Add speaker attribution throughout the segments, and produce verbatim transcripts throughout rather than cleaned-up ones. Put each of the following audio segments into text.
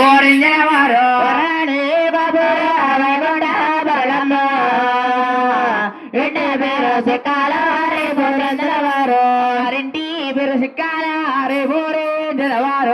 Speaker 1: పోరింజనవారు ఇంటి పేరు సిక్కాల రే పోరింజనవారు ఇంటి పేరు సిక్కాల రే పోరింజనవారు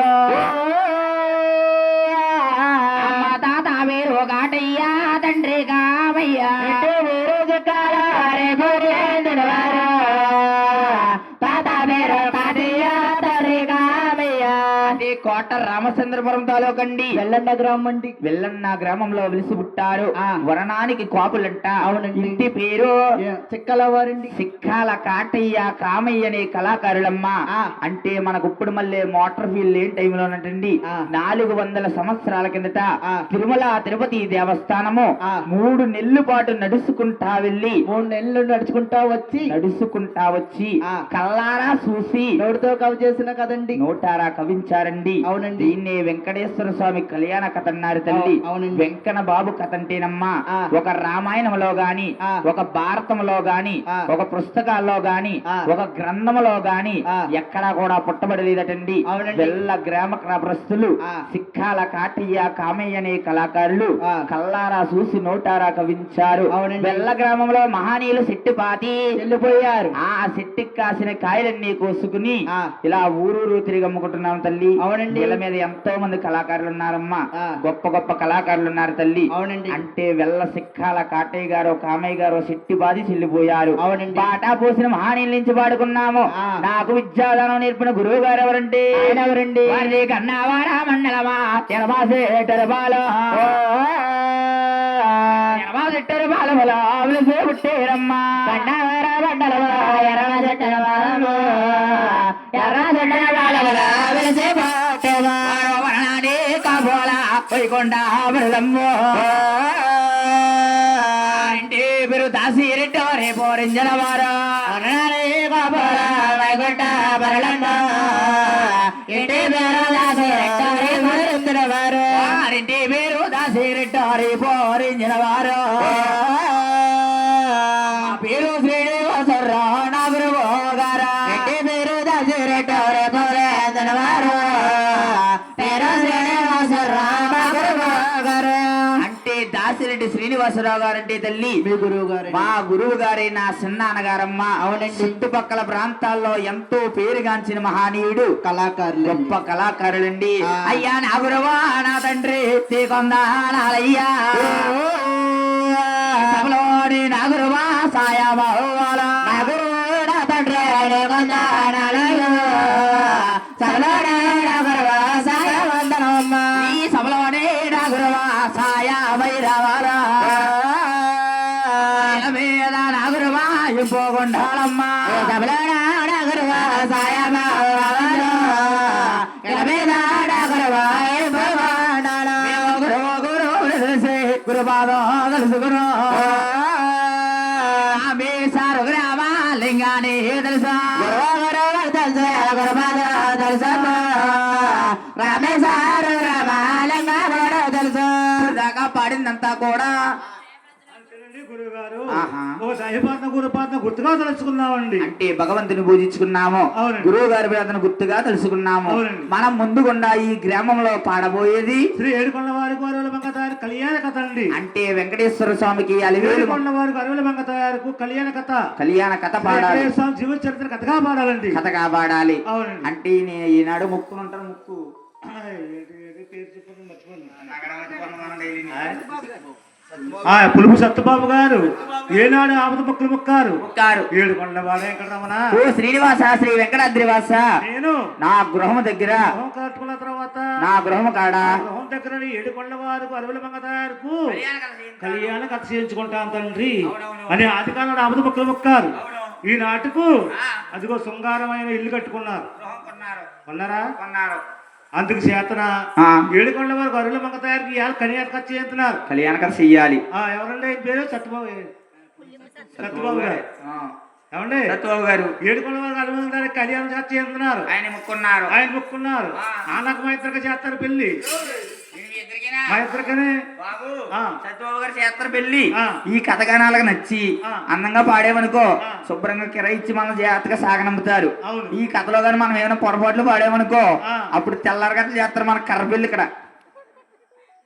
Speaker 1: అమ్మ తాత పేరు కాటయ్య తండ్రి కామయ్య ఇంటి పేరు సిక్కాల రే పోరింజనవారు తాత పేరు కాటయ్య తండ్రి కామయ్య కోట రామచంద్రపురం తాలూకండి వెల్లన్న గ్రామం అండి వెల్లన్న గ్రామంలో వెలిసి పుట్టారు వరణానికి కాపులంట అవునండి ఇంటి పేరు చిక్కల వారండి సిక్కాల కాటయ్య కామయ్య అనే కళాకారులమ్మ అంటే మనకు ఇప్పుడు మళ్ళీ మోటార్ ఫీల్డ్ లేని టైంలోనంటండి నాలుగు వందల సంవత్సరాల కిందట తిరుమల తిరుపతి దేవస్థానము మూడు నెలల పాటు నడుచుకుంటా వెళ్ళి మూడు నెలలు నడుచుకుంటా వచ్చి నడుచుకుంటా వచ్చి కల్లారా చూసి నోటితో కవి చేసిన కదండి నోటారా కవించారండి అవునండి దీన్నే వెంకటేశ్వర స్వామి కళ్యాణ కథ అన్నారు తల్లి అవునండి వెంకన్న బాబు కథ అంటేనమ్మా ఒక రామాయణంలో గాని ఒక భారతంలో గాని ఒక పుస్తకాల్లో గాని ఒక గ్రంథంలో గాని ఎక్కడా కూడా పుట్టబడలేదటండి వెల్ల గ్రామ ప్రస్తులు సిక్కాల కాటయ్య కామయ్య అనే కళాకారులు కల్లారా చూసి నోటారా కవించారు వెల్ల గ్రామంలో మహానీయులు సెట్టిపాతి వెళ్ళిపోయారు ఆ సెట్టికి కాసిన కాయలన్నీ కోసుకుని ఇలా ఊరూరు తిరిగి అమ్ముకుంటున్నాం తల్లి అవునండి వీళ్ళ మీద ఎంతో మంది కళాకారులు ఉన్నారమ్మా గొప్ప గొప్ప కళాకారులు ఉన్నారు తల్లి అవునండి అంటే వెల్ల సిక్కాల కాటయ్య గారు కామయ్య గారు సెట్టిపాతి చెల్లిపోయారు అవునండి పాటా పోసిన మహానీయుల నుంచి పాడుకున్నాము నాకు విద్యాదానం నేర్పిన గురువు గారు ఎవరండి ఎవరండి వారి కన్నావారా మండలమా తెరబాసే తెరబాలో తెరబాసెట్టరు బాలములో ఆవులసే పుట్టేరమ్మా కన్నావారా మండలమా ఎర్ర చెట్టర బాలము ఎర్ర చెట్టర బాలములో ఆవులసే పుట్టేవా వరణాడే కాబోల పోయికొండ బృదమ్మో ఇంటి పేరు దాసిరెడ్డి పోరింజల వారు కాబోల వైకుంఠ బరలమ్మ ఇంటి పేరు దాసిరెడ్డి పోరింజల వారు ఇంటి పేరు దాసిరెడ్డి పోరింజల వారు పేరు శ్రీనివాసరావు నా గురువు గారు ఇంటి పేరు దాసిరెడ్డి పోరింజల వారు పేరు శ్రీనివాసరావు నా గురువు గారు అంటే దాసిరెడ్డి శ్రీనివాసరావు గారంటే తల్లి మీ గురువు గారు మా గురువు గారే నా చిన్నాన్నగారమ్మ అవునండి చుట్టుపక్కల ప్రాంతాల్లో ఎంతో పేరుగాంచిన మహానీయుడు కళాకారులు గొప్ప కళాకారులండి అయ్యా నా గురువా నా తండ్రి తీకొందాలయ్యా సభలోని నా గురువా సాయబాల నా గురువు నా తండ్రి సభలోనే నా గురువా సాయవందనమ్మ ఈ సభలోనే నా గురువా సాయ వైరవరా మీద నా గురువా పోగొండాలమ్మ సభలోనే నా గురువా సాయ గురుపాదో తెలుసుకును మీ సారు గ్రామ లింగాన్ని తెలుసా గురువు తెలుసు గురుపాదో తెలుసు రామేశారు గ్రామ లింగాన్ని తెలుసు దాకా పాడిందంతా కూడా
Speaker 2: గుర్తుగా తెలుసుకున్నామండి
Speaker 1: అంటే భగవంతుని పూజించుకున్నాము గురువు గారి ప్రార్థన గుర్తుగా తెలుసుకున్నాము మనం ముందుగుండా ఈ గ్రామంలో పాడబోయేది
Speaker 2: శ్రీ ఏడుకొండ వారికి అరవల మంగతాయారు కళ్యాణ కథ అండి
Speaker 1: అంటే వెంకటేశ్వర స్వామికి ఏడుకొండ
Speaker 2: వారికి అరవల మంగతాయారు కళ్యాణ కథ
Speaker 1: కళ్యాణ కథ పాడాలి
Speaker 2: స్వామి జీవిత చరిత్ర కథగా పాడాలండి
Speaker 1: కథగా పాడాలి అంటే ఈనాడు ముక్కు ఉంటారు ముక్కు
Speaker 2: పులుపు సత్యబాబు గారు ఏనాడు ఆపద మొక్కలు మొక్కారు ఏడుకొండ వెంకటరమణ
Speaker 1: ఓ శ్రీనివాస శ్రీ వెంకటాద్రివాస నేను నా గృహం దగ్గర
Speaker 2: కట్టుకున్న తర్వాత
Speaker 1: నా గృహం కాడ
Speaker 2: గృహం దగ్గర ఏడుకొండ వారు అరవల మంగతాయారుకు కళ్యాణ కథ చేయించుకుంటాం తండ్రి అని ఆదికాలంలో ఆపద మొక్కలు మొక్కారు ఈ నాటుకు అదిగో శృంగారమైన ఇల్లు కట్టుకున్నారు కొన్నారా కొన్నారు అందుకు చేతన ఏడుకొండ వారికి అరువుల మంగతాయారికి కళ్యాణ కథ చేస్తున్నారు
Speaker 1: కళ్యాణ కథ చెయ్యాలి
Speaker 2: ఎవరండి పేరు సత్యబాబు సత్యబాబు గారు ఏమండి
Speaker 1: సత్యబాబు గారు
Speaker 2: ఏడుకొండ వారికి అరువుల మంగతాయారికి కళ్యాణ కథ చేస్తున్నారు ఆయన ముక్కున్నారు ఆయన ముక్కున్నారు ఆనకు మా ఇద్దరికి చేస్తారు పెళ్లి మా ఇద్దరికనే
Speaker 1: సత్యబాబు గారు చేస్తారు పెళ్లి ఈ కథగానాలకు నచ్చి అందంగా పాడేమనుకో శుభ్రంగా కిరాయిచ్చి మనం జాగ్రత్తగా సాగనంపుతారు ఈ కథలో గాని మనం ఏమైనా పొరపాట్లు పాడేమనుకో అప్పుడు తెల్లారగట్లు చేస్తారు మన కర్ర పెళ్లి ఇక్కడ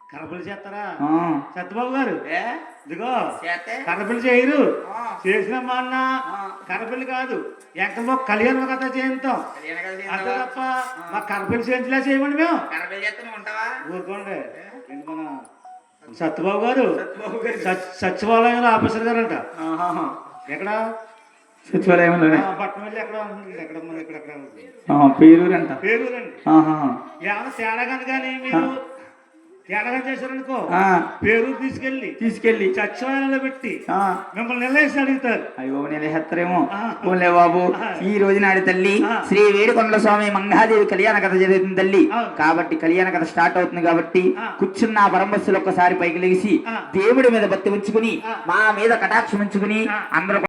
Speaker 2: కరపలు చేస్తారా
Speaker 3: ఆ.
Speaker 2: సత్యబాబు గారు
Speaker 3: ఏ
Speaker 2: ఇదిగో
Speaker 3: చేస్తే
Speaker 2: కరపలు చేయరు
Speaker 3: ఆ.
Speaker 2: చేసిన మా అన్న
Speaker 3: ఆ.
Speaker 2: కరపల్లి కాదు ఎంకమో కళ్యాణ కథ చేయిస్తాం
Speaker 3: కళ్యాణ కథ
Speaker 2: అంతే
Speaker 3: చేస్తావా?
Speaker 2: తప్ప మా కరపల్లి చేయించలే చేయమండి మేము
Speaker 3: కరపలు చేస్తే నువ్వు ఉంటావా?
Speaker 2: ఊరుకోండి ఏంటి మన సత్యబాబు గారు
Speaker 3: సత్యబాబు గారు.
Speaker 2: సచ్- సచివాలయంలో ఆఫీసర్ గారు అంట
Speaker 3: ఆహాహా.
Speaker 2: ఎక్కడ
Speaker 3: సచివాలయంలోనే
Speaker 2: ఆ, పట్నం వెళ్ళి ఎక్కడ ఉంటుంది ఎక్కడ మన ఇక్కడ ఎక్కడ ఉంటుంది.
Speaker 3: ఆ, పేరూరు అంట.
Speaker 2: పేరూరండి
Speaker 3: ఆహాహా.
Speaker 2: ఏమైనా తేడా కానీ కానీ మీరు తేడా కానీ చేశారనుకో
Speaker 3: ఆ,
Speaker 2: పేరూరు తీసుకెళ్ళి
Speaker 3: తీసుకెళ్ళి
Speaker 2: సచివాలయంలో పెట్టి
Speaker 3: ఆ,
Speaker 2: మిమ్మల్ని నిలవేసి అడుగుతారు
Speaker 3: అయ్యో నేను హెత్తరేమో
Speaker 2: ఆ.
Speaker 3: పోలే బాబు.
Speaker 2: ఆ.
Speaker 3: ఈ రోజు నాడి తల్లి
Speaker 2: ఆ.
Speaker 3: శ్రీ వేడుకొండల స్వామి మంగాదేవి కళ్యాణ కథ జరుగుతుంది తల్లి.
Speaker 2: అవును.
Speaker 3: కాబట్టి కళ్యాణ కథ స్టార్ట్ అవుతుంది కాబట్టి
Speaker 2: ఆ.
Speaker 3: కూర్చున్న పరమస్సులు ఒక్కసారి పైకి లేచి
Speaker 2: ఆ.
Speaker 3: దేవుడి మీద భక్తి ఉంచుకుని
Speaker 2: ఆ.
Speaker 3: మా మీద కటాక్షం ఉంచుకుని
Speaker 2: ఆ.
Speaker 3: అందరూ